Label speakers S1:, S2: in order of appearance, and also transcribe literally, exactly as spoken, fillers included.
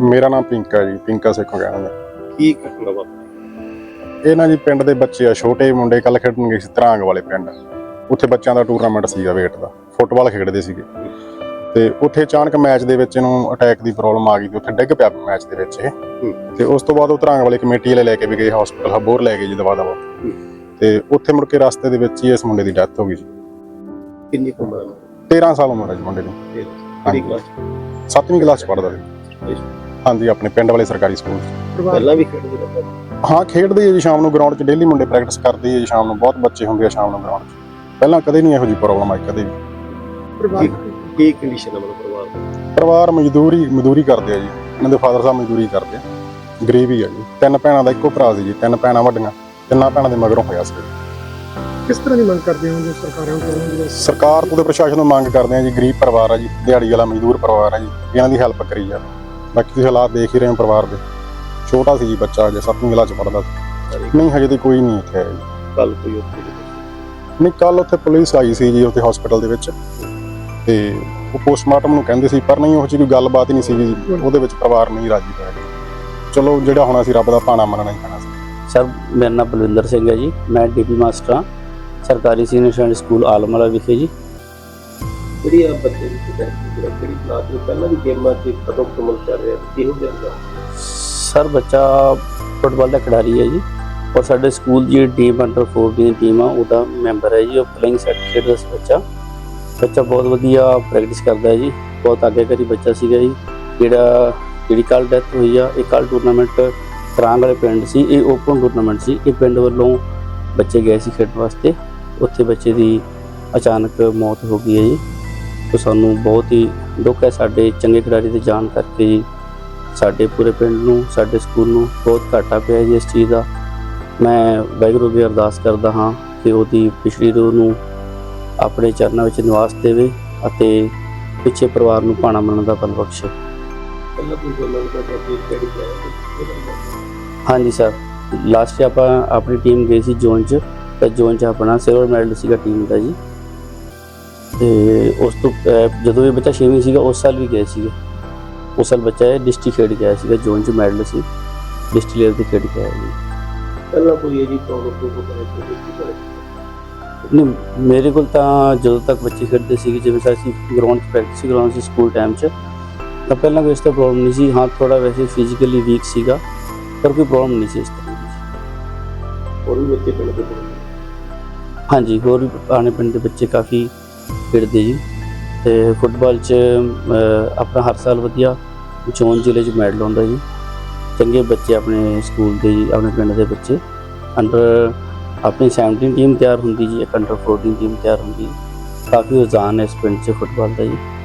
S1: ਮੇਰਾ ਨਾਮ ਪਿੰਕਾ ਜੀ, ਪਿੰਕਾ ਸੇਖੋਂ ਕਹਿੰਦੇ ਨੇ।
S2: ਕੀ ਘਟਨਾ ਵਾਪਰੀ?
S1: ਇਹ ਨਾ ਜੀ ਪਿੰਡ ਦੇ ਬੱਚੇ ਆ, ਛੋਟੇ ਮੁੰਡੇ ਕੱਲ ਖੇਡਣ ਗਏ ਸੀ ਧਰਾਂਗ ਵਾਲੇ ਪਿੰਡ। ਉੱਥੇ ਬੱਚਿਆਂ ਦਾ ਟੂਰਨਾਮੈਂਟ ਸੀਗਾ ਵੇਟ ਦਾ, ਫੁੱਟਬਾਲ ਖੇਡਦੇ ਸੀਗੇ ਤੇ ਉੱਥੇ ਅਚਾਨਕ ਮੈਚ ਦੇ ਵਿੱਚ ਇਹਨੂੰ ਅਟੈਕ ਦੀ ਪ੍ਰੋਬਲਮ ਆ ਗਈ ਤੇ ਉੱਥੇ ਡਿੱਗ ਪਿਆ ਮੈਚ ਦੇ ਵਿੱਚ ਇਹ। ਤੇ ਉਸ ਤੋਂ ਬਾਅਦ ਉਹ ਧਰਾਂਗ ਵਾਲੇ ਕਮੇਟੀ ਵਾਲੇ ਲੈ ਕੇ ਵੀ ਗਏ ਹਸਪੀਟਲ, ਹਬੋਰ ਲੈ ਗਏ ਜੀ ਦਵਾ ਦਵਾ। ਤੇ ਉੱਥੇ ਮੁੜ ਕੇ ਰਸਤੇ ਦੇ ਵਿੱਚ ਹੀ ਇਸ ਮੁੰਡੇ ਦੀ ਡੈਥ ਹੋ ਗਈ ਸੀ।
S2: ਕਿੰਨੀ ਕੁ ਉਮਰ ਹੈ?
S1: ਤੇਰਾਂ ਸਾਲ ਉਮਰ ਹੈ ਜੀ ਮੁੰਡੇ ਦੀ।
S2: ਕਿਹੜੀ ਕਲਾਸ?
S1: ਸੱਤਵੀਂ ਕਲਾਸ ਪੜ੍ਹਦਾ ਜੀ। ਹਾਂਜੀ, ਆਪਣੇ ਪਿੰਡ ਵਾਲੇ ਸਰਕਾਰੀ ਸਕੂਲ।
S2: ਪਹਿਲਾਂ ਵੀ ਖੇਡਦੇ ਰਹੇ?
S1: ਹਾਂ, ਖੇਡਦੇ ਆ ਜੀ ਸ਼ਾਮ ਨੂੰ ਗਰਾਊਂਡ 'ਚ, ਡੇਲੀ ਮੁੰਡੇ ਪ੍ਰੈਕਟਿਸ ਕਰਦੇ ਆ ਜੀ ਸ਼ਾਮ ਨੂੰ। ਬਹੁਤ ਬੱਚੇ ਹੁੰਦੇ ਆ ਸ਼ਾਮ ਨੂੰ ਗਰਾਊਂਡ 'ਚ। ਪਹਿਲਾਂ ਕਦੇ ਨਹੀਂ ਇਹੋ ਜਿਹੀ ਪ੍ਰੋਬਲਮ ਆਈ, ਕਦੇ ਵੀ।
S2: ਪਰਿਵਾਰ ਕੀ ਕੰਡੀਸ਼ਨ ਹੈ ਮਤਲਬ ਪਰਿਵਾਰ ਦੀ?
S1: ਪਰਿਵਾਰ ਮਜ਼ਦੂਰੀ ਮਜ਼ਦੂਰੀ ਕਰਦੇ ਆ ਜੀ। ਇਹਨਾਂ ਦੇ ਫਾਦਰ ਸਾਹਿਬ ਮਜ਼ਦੂਰੀ ਕਰਦੇ ਆ, ਗਰੀਬ ਹੀ ਆ ਜੀ। ਤਿੰਨ ਭੈਣਾਂ ਦਾ ਇੱਕੋ ਭਰਾ ਸੀ ਜੀ, ਤਿੰਨ ਭੈਣਾਂ ਵੱਡੀਆਂ, ਤਿੰਨਾਂ ਭੈਣਾਂ ਦੇ ਮਗਰੋਂ ਹੋਇਆ ਸੀ।
S3: ਕਿਸ ਤਰ੍ਹਾਂ ਦੀ ਮੰਗ ਕਰਦੇ ਹੋ ਜੋ ਸਰਕਾਰਾਂ ਕੋਲੋਂ?
S1: ਸਰਕਾਰ ਤੋਂ ਤੇ ਪ੍ਰਸ਼ਾਸਨ ਨੂੰ ਮੰਗ ਕਰਦੇ ਆ ਜੀ, ਗਰੀਬ ਪਰਿਵਾਰ ਆ ਜੀ, ਦਿਹਾੜੀ ਵਾਲਾ ਮਜ਼ਦੂਰ ਪਰਿਵਾਰ ਆ ਜੀ, ਇਹਨਾਂ ਦੀ ਹੈਲਪ ਕਰੀ ਜਾਵੇ। ਬਾਕੀ ਤੁਸੀਂ ਹਾਲਾਤ ਦੇਖ ਹੀ ਰਹੇ ਹੋ ਪਰਿਵਾਰ ਦੇ। ਛੋਟਾ ਸੀ ਜੀ ਬੱਚਾ, ਅਜੇ ਸੱਤਵੀਂ ਕਲਾਸ 'ਚ ਪੜ੍ਹਦਾ ਸੀ। ਨਹੀਂ, ਹਜੇ ਤੇ ਕੋਈ ਨਹੀਂ ਇੱਥੇ ਆਇਆ ਜੀ।
S2: ਕੱਲ ਕੋਈ ਉੱਥੇ
S1: ਨਹੀਂ, ਕੱਲ ਉੱਥੇ ਪੁਲਿਸ ਆਈ ਸੀ ਜੀ ਉੱਥੇ ਹਸਪੀਟਲ ਦੇ ਵਿੱਚ, ਤੇ ਉਹ ਪੋਸਟਮਾਰਟਮ ਨੂੰ ਕਹਿੰਦੇ ਸੀ, ਪਰ ਨਹੀਂ ਉਹ 'ਚ ਕੋਈ ਗੱਲਬਾਤ ਹੀ ਨਹੀਂ ਸੀਗੀ ਜੀ। ਉਹਦੇ ਵਿੱਚ ਪਰਿਵਾਰ ਨਹੀਂ ਰਾਜੀ ਹੋਇਆ ਜੀ। ਚਲੋ ਜਿਹੜਾ ਹੋਣਾ ਸੀ ਰੱਬ ਦਾ ਭਾਣਾ ਮੰਨਣਾ ਹੀ ਪੈਣਾ ਸੀ।
S4: ਸਰ, ਮੇਰਾ ਨਾਮ ਬਲਵਿੰਦਰ ਸਿੰਘ ਹੈ ਜੀ। ਮੈਂ ਡੀਪੀ ਮਾਸਟਰ ਹਾਂ ਸਰਕਾਰੀ ਸੀਨੀਅਰ ਸੈਕੰਡਰੀ ਸਕੂਲ ਆਲਮਵਾਲਾ ਵਿਖੇ ਜੀ।
S2: ਜਿਹੜੀ ਆ ਬੱਚੇ ਦੀ ਕਿਹੜੀ ਕਲਾਸ ਵਿੱਚ? ਪਹਿਲਾਂ ਵੀ ਗੇਮਾਂ 'ਚ ਕਦੋਂ ਕਮਲ ਚੱਲ ਰਿਹਾ, ਕਿਹੋ ਜਿਹਾ?
S4: ਸਰ, ਬੱਚਾ ਫੁੱਟਬਾਲ ਦਾ ਖਿਡਾਰੀ ਹੈ ਜੀ, ਔਰ ਸਾਡੇ ਸਕੂਲ ਦੀ ਟੀਮ ਅੰਡਰ ਚੌਦਾਂ ਟੀਮ ਆ ਉਹਦਾ ਮੈਂਬਰ ਹੈ ਜੀ। ਉਹ ਪਲੇਇੰਗ ਸੈਟ ਖੇਡਦਾ ਸੀ ਬੱਚਾ। ਬੱਚਾ ਬਹੁਤ ਵਧੀਆ ਪ੍ਰੈਕਟਿਸ ਕਰਦਾ ਹੈ ਜੀ, ਬਹੁਤ ਅੱਗੇ ਕਰੀ ਬੱਚਾ ਸੀਗਾ ਜੀ। ਜਿਹੜਾ ਜਿਹੜੀ ਕੱਲ੍ਹ ਡੈਥ ਹੋਈ ਆ, ਇਹ ਕੱਲ੍ਹ ਟੂਰਨਾਮੈਂਟ ਧਰਾਂਗ ਵਾਲੇ ਪਿੰਡ ਸੀ। ਇਹ ਓਪਨ ਟੂਰਨਾਮੈਂਟ ਸੀ। ਇਹ ਪਿੰਡ ਵੱਲੋਂ ਬੱਚੇ ਗਏ ਸੀ ਖੇਡਣ ਵਾਸਤੇ। ਉੱਥੇ ਬੱਚੇ ਦੀ ਅਚਾਨਕ ਮੌਤ ਹੋ ਗਈ ਹੈ ਜੀ। ਤੇ ਸਾਨੂੰ ਬਹੁਤ ਹੀ ਦੁੱਖ ਹੈ ਸਾਡੇ ਚੰਗੇ ਖਿਡਾਰੀ ਦੇ ਜਾਣ ਕਰਕੇ ਜੀ। ਸਾਡੇ ਪੂਰੇ ਪਿੰਡ ਨੂੰ, ਸਾਡੇ ਸਕੂਲ ਨੂੰ ਬਹੁਤ ਘਾਟਾ ਪਿਆ ਜੀ ਇਸ ਚੀਜ਼ ਦਾ। ਮੈਂ ਵਾਹਿਗੁਰੂ ਅੱਗੇ ਅਰਦਾਸ ਕਰਦਾ ਹਾਂ ਕਿ ਉਹਦੀ ਪਿਛਲੀ ਰੂਹ ਨੂੰ ਆਪਣੇ ਚਰਨਾਂ ਵਿੱਚ ਨਿਵਾਸ ਦੇਵੇ ਅਤੇ ਪਿੱਛੇ ਪਰਿਵਾਰ ਨੂੰ ਭਾਣਾ ਮੰਨਣ ਦਾ ਬਲ ਬਖਸ਼ੇ।
S2: ਪਹਿਲਾਂ ਕੋਈ ਗੱਲਾਂ ਕਰਦੇ ਕਿਹੜੀ ਕਲਾਸ?
S4: ਹਾਂਜੀ ਸਰ, ਲਾਸਟ ਆਪਾਂ ਆਪਣੀ ਟੀਮ ਗਈ ਸੀ ਜ਼ੋਨ 'ਚ, ਤੇ ਜ਼ੋਨ 'ਚ ਆਪਣਾ ਸਿਲਵਰ ਮੈਡਲ ਸੀਗਾ ਟੀਮ ਦਾ ਜੀ। ਤੇ ਉਸ ਤੋਂ ਜਦੋਂ ਇਹ ਬੱਚਾ ਛੇਵੀਂ ਸੀਗਾ, ਉਸ ਸਾਲ ਵੀ ਗਏ ਸੀਗੇ। ਉਸ ਸਾਲ ਬੱਚਾ ਇਹ ਡਿਸਟ੍ਰਿਕਟ ਖੇਡ ਗਿਆ ਸੀਗਾ, ਜ਼ੋਨ 'ਚ ਮੈਡਲ ਸੀ, ਡਿਸਟ੍ਰਿਕਟ ਲੈਵਲ 'ਤੇ ਖੇਡ ਕੇ ਆਇਆ ਜੀ।
S2: ਪਹਿਲਾਂ ਕੋਈ ਇਹ ਜੀ ਪ੍ਰੋਬਲਮ
S4: ਨਹੀਂ, ਮੇਰੇ ਕੋਲ ਤਾਂ ਜਦੋਂ ਤੱਕ ਬੱਚੇ ਖੇਡਦੇ ਸੀਗੇ, ਜਿਵੇਂ ਸਰ ਅਸੀਂ ਗਰਾਊਂਡ 'ਚ ਪ੍ਰੈਕਟਿਸ ਗਰਾਊਂਡ ਸੀ ਸਕੂਲ ਟਾਈਮ 'ਚ, ਤਾਂ ਪਹਿਲਾਂ ਕੋਈ ਇਸ ਤਰ੍ਹਾਂ ਪ੍ਰੋਬਲਮ ਨਹੀਂ ਸੀ। ਹਾਂ, ਥੋੜ੍ਹਾ ਵੈਸੇ ਫਿਜ਼ੀਕਲੀ ਵੀਕ ਸੀਗਾ, ਪਰ ਕੋਈ ਪ੍ਰੋਬਲਮ ਨਹੀਂ ਸੀ ਇਸ ਤਰ੍ਹਾਂ ਦੀ।
S2: ਹੋਰ ਵੀ ਬੱਚੇ ਪਿੰਡ ਦੇ?
S4: ਹਾਂਜੀ, ਹੋਰ ਵੀ ਆਣੇ ਪਿੰਡ ਦੇ ਬੱਚੇ ਕਾਫੀ ਖੇਡਦੇ ਜੀ। ਅਤੇ ਫੁੱਟਬਾਲ 'ਚ ਆਪਣਾ ਹਰ ਸਾਲ ਵਧੀਆ ਜ਼ੋਨ ਜ਼ਿਲ੍ਹੇ 'ਚ ਮੈਡਲ ਆਉਂਦਾ ਜੀ। ਚੰਗੇ ਬੱਚੇ ਆਪਣੇ ਸਕੂਲ ਦੇ ਜੀ, ਆਪਣੇ ਪਿੰਡ ਦੇ ਬੱਚੇ ਅੰਡਰ ਆਪਣੀ ਸੈਵਨਟੀਨ ਟੀਮ ਤਿਆਰ ਹੁੰਦੀ ਜੀ, ਇੱਕ ਅੰਡਰ ਫੋਰਟੀਨ ਟੀਮ ਤਿਆਰ ਹੁੰਦੀ। ਕਾਫੀ ਰੁਝਾਨ ਹੈ ਇਸ ਪਿੰਡ 'ਚ ਫੁੱਟਬਾਲ ਦਾ ਜੀ।